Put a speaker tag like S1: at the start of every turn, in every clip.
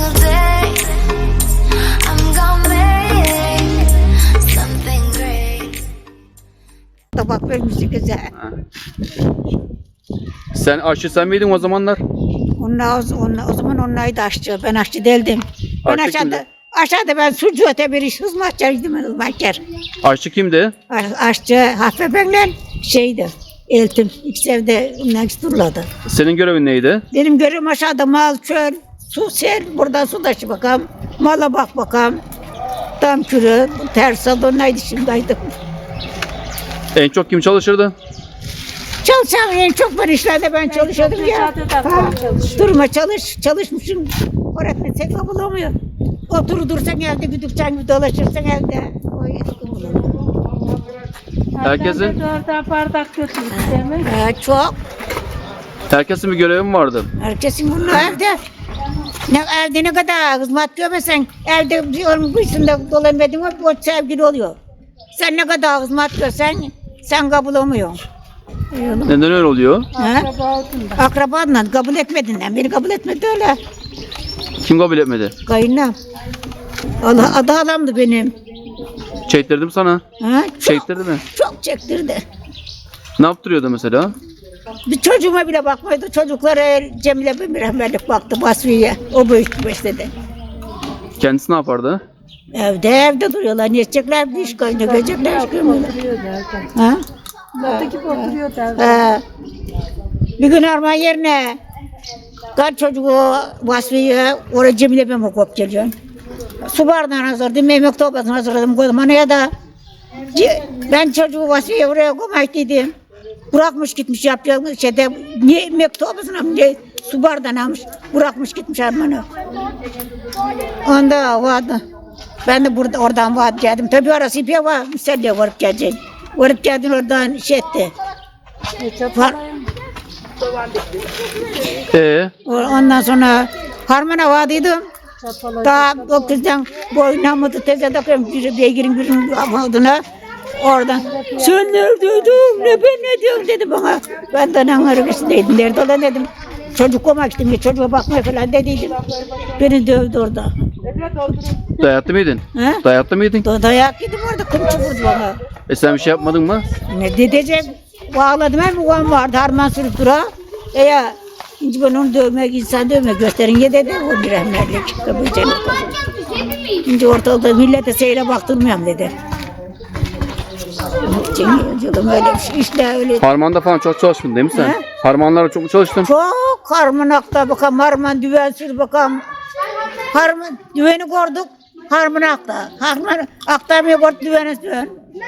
S1: single day. I'm gonna make something great.
S2: Tabak vermişti güzel.
S3: Sen aşçı sen miydin o zamanlar?
S2: O zaman onlaydı aşçı. Ben aşçı değildim. Ben
S3: Aşçı kimdi?
S2: aşağıda ben sucu öte bir iş hizmetçiydim. Hizmetçer.
S3: Aşçı kimdi?
S2: Aşçı Hafife benle şeydi. Eltim. İkisi evde ondan duruladı.
S3: Senin görevin neydi?
S2: Benim görevim aşağıda mal, çöl, su, sel. Buradan su taşı bakalım. Mala bak bakalım. Tam kürü, ters neydi şimdiydi.
S3: En çok kim çalışırdı?
S2: Çalışan en çok var işlerde ben çalışıyordum ya. Ha, durma çalışmışım. Öğretmensek bulamıyor. Otur dursan evde güdükçen gibi dolaşırsan evde. O eski bulur.
S3: Herkesin
S4: Dörder bardak götürdü değil mi?
S2: Çok.
S3: herkesin bir görevi mi vardı?
S2: Herkesin bunun evde. Evde ne kadar hizmet görmesen evde bir onun kuyusunda dolanmadın mı o sevgili oluyor. Sen ne kadar hizmet görsen sen kabul olmuyorsun.
S3: Neden öyle oluyor?
S4: Akraba oldun da.
S2: Akrabanla kabul etmediğinden beni kabul etmedi öyle.
S3: Kim kabul etmedi?
S2: Kayınlam. Allah adı adamdı benim.
S3: Çektirdim sana.
S2: Ha? Çok,
S3: Çektirdi mi?
S2: çok çektirdi.
S3: Ne yaptırıyordu mesela?
S2: Bir çocuğuma bile bakmadı. Çocuklara Cemile bir rahmetlik baktı Basriye. O büyüttü besledi.
S3: Kendisi ne yapardı?
S2: Evde duruyorlar. Ne edecekler? Bir iş koyunca görecekler. iş koymuyorlar.
S4: Oturuyor derken.
S2: Ha?
S4: Zaten gibi oturuyor derken.
S2: Bir gün arma yerine kaç çocuğu Vasfiye oraya Cemile ben okuyup geliyorum. Su bardağını hazırladım, yemek torbasını hazırladım, koydum anaya da. Ben çocuğu Vasfiye oraya koymak dedim. Bırakmış gitmiş yapacak şeyde, niye yemek torbasını niye su bardağını almış, bırakmış gitmiş armanı. Onda vardı. Ben de oradan vardı geldim. Tabii orası ipiye var, müselliye varıp geleceğim. Varıp geldim oradan şey etti. Var. Ondan sonra harmana vardıydım. Daha o kızdan boynamadı teze takıyorum beygirin birinin adına. Oradan sen neredeydin ne ben ne diyorum dedi bana. Ben de arabasındaydım nerede olan dedim. Çocuk olmak istedim çocuğa bakmaya falan dediydim. Beni dövdü orada.
S3: Dayaklı mıydın?
S2: He?
S3: Dayaklı mıydın?
S2: Dayak yedim orada kımçı vurdu bana.
S3: Sen bir şey yapmadın mı?
S2: Ne diyeceğim? Bağladım hem babam vardı harman sürüp dura. Ya şimdi ben onu dövmek, insan dövmek gösterin ya dedi o bir rahmetlik. Şimdi ortalıkta millete seyre baktırmıyorum dedi. Canım öyle bir şey işte öyle.
S3: Harmanda falan çok çalıştın değil mi sen?
S2: He?
S3: Harmanlara çok mu çalıştın?
S2: Çok harmanakta bakalım harman düven sür bakalım. Harman düveni gördük harmanakta. Harman aktarmaya gördük düveni sür.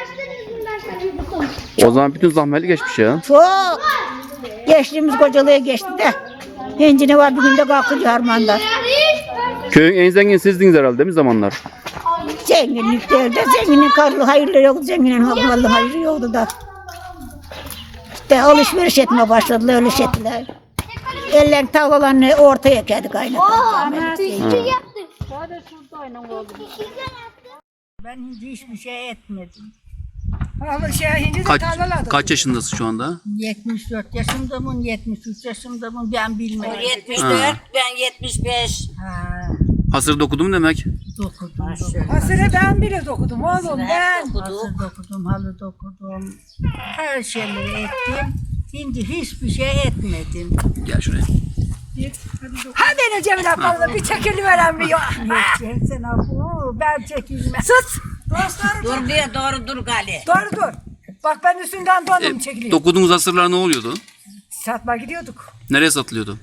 S3: O zaman bütün zahmetli geçmiş ya.
S2: Çok. Geçtiğimiz kocalığa geçti de. Hinci ne var bir günde kalkınca harmanda.
S3: Köyün en zengin sizdiniz herhalde değil mi zamanlar?
S2: Zenginlik değil de zenginin karlı hayırlı yoktu. Zenginin malı hayırlı yoktu da. İşte alışveriş etmeye başladılar öyle şey ettiler. Ellerin tavlalarını ortaya geldi kaynadı. Ben hiçbir şey etmedim.
S3: Kaç yaşındasın şu anda?
S2: 74 yaşındamın, 73 yaşındamın ben bilmiyorum.
S5: 74, ben 75.
S2: Ha,
S3: Hasır dokudum demek.
S2: dokudum.
S4: Hasırı ben bile dokudum oğlum ben.
S2: Hasır dokudum, halı dokudum. Her şeyleri ettim. Şimdi hiçbir şey etmedim.
S3: Gel şuraya.
S4: Hadi ne Cemil abla bir çekiliveren bir yok.
S2: Sen abu, ben çekilmem.
S4: Sus.
S5: Dur diye doğru dur Gali.
S4: Dur. Bak ben üstünden dondum çekiliyor.
S3: Dokuduğunuz hasırlar ne oluyordu?
S4: Satma gidiyorduk.
S3: Nereye satılıyordu?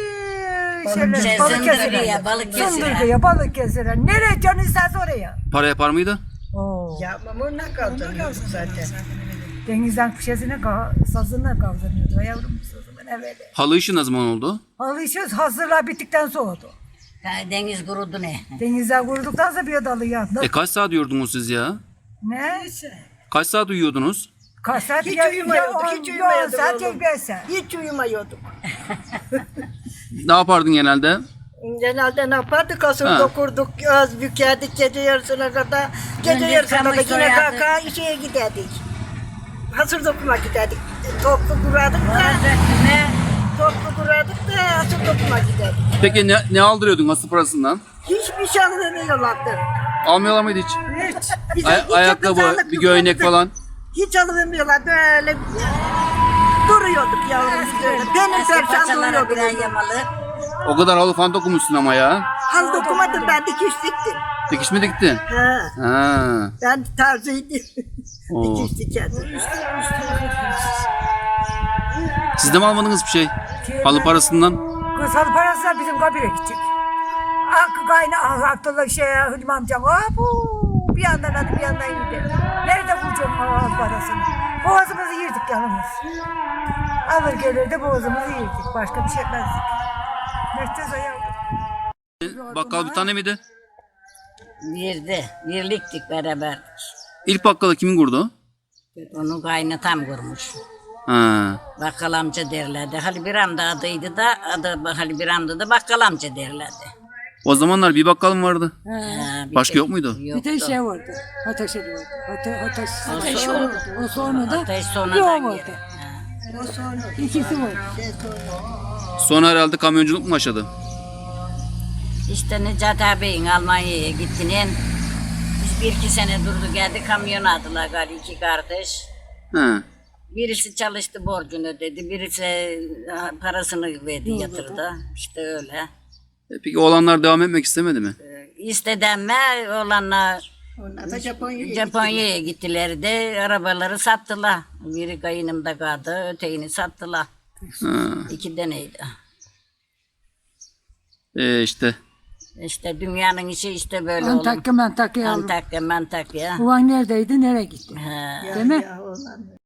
S5: Sındırıya, Balıkesir'e.
S4: Sındırıya, Balıkesir'e. Nereye canın isterse oraya.
S3: Para yapar mıydı?
S4: Yapmamı ne kaldırıyorduk zaten. Denizden kuşesine sazına kaldırıyordu yavrum sazımın evveli.
S3: Halı işi ne zaman oldu?
S4: Alışıyoruz hazırlar bittikten soğudu.
S5: Deniz kurudu ne?
S4: Denizden kuruduktan sonra bir dalı yandı.
S3: Kaç saat uyuyordunuz siz ya?
S4: Ne?
S3: Kaç saat uyuyordunuz?
S4: Kaç saat?
S6: Hiç uyumuyorduk, hiç uyumuyorduk
S4: saat
S6: oğlum.
S4: ya 5 saat.
S6: Hiç uyumuyorduk.
S3: Ne yapardın genelde?
S6: Genelde ne yapardık? Asır
S3: Ha.
S6: dokurduk, az bükerdik gece yarısına kadar. Gece
S5: Önce
S6: yarısına
S5: kamış
S6: kadar yine
S5: soyardık.
S6: kalka işe giderdik. Hasır dokuma giderdik. Toplu kurardık da,
S5: Ne?
S6: toplu kurardık da hasır dokuma giderdik.
S3: Peki ne aldırıyordun asıl parasından?
S6: Hiçbir şey alıvermiyorlardı.
S3: Almıyorlar mıydı hiç?
S6: Hiç. Bize
S3: Ayakkabı,
S6: kızarlık
S3: bir göğnek
S6: yoktu.
S3: falan.
S6: Hiç alıvermiyorlar. Böyle duruyorduk yavrum böyle. Benim perşan
S5: Paçalara
S6: duruyordum.
S5: birer yamalı.
S3: O kadar halı falan dokunmuşsun ama ya.
S6: Hal dokumadım, ben dikiş diktim.
S3: Dikiş mi diktin?
S6: Ha.
S3: Ha.
S6: Ben tarzıydım.
S3: Oo.
S6: Dikiş dikerdim.
S3: Siz de mi almadınız bir şey? Halı parasından.
S4: Kız halı parası da bizim kabire gidecek. Kayna Abdullah Hülmü amcam. Bu bir yandan adı bir yandan yedi. Nerede bulacağım halı parasını? Boğazımızı yırdık yalnız. Alır gelirdi boğazımızı yırdık. Başka bir şey etmezdik. Mertez ayağım.
S3: Bakkal bir tane miydi?
S5: Birliktik beraber.
S3: İlk bakkalı kimin kurdu?
S5: Onu kaynatam kurmuş.
S3: Ha.
S5: Bakkal amca derlerdi. Halil Biram da adıydı da adı Halil Biram'dı da bakkal amca derlerdi.
S3: O zamanlar bir bakkal mı vardı?
S5: Ha, bir
S3: Başka
S5: tek-
S3: yok muydu?
S7: Bir
S5: Yoktu.
S7: de şey vardı. Ateş vardı. Ateş
S5: Ateş
S7: vardı. O sonra da
S5: Ateş
S7: yok
S5: sonradan
S7: vardı.
S5: geldi.
S7: İkisi var.
S3: Sonra herhalde kamyonculuk mu başladı?
S5: İşte Necati ağabeyin Almanya'ya gittiğinin biz 1-2 sene durdu geldi kamyon aldılar galiba 2 kardeş.
S3: Ha.
S5: Birisi çalıştı borcunu ödedi, birisi parasını verdi yatırdı. İşte öyle.
S3: Peki oğlanlar devam etmek istemedi mi?
S5: İstedenme olanlar
S6: Onlar da Japonya'ya
S5: Japonya'ya gittiler de arabaları sattılar. Biri kayınımda kaldı, ötekini sattılar.
S3: Ha.
S5: 2 deneydi.
S3: İşte.
S5: İşte dünyanın işi işte böyle oğlum.
S7: Antakya yavrum.
S5: Antakya.
S7: Ulan neredeydi, nereye gitti?
S5: Ha.
S7: Değil mi?
S6: Ya, onlar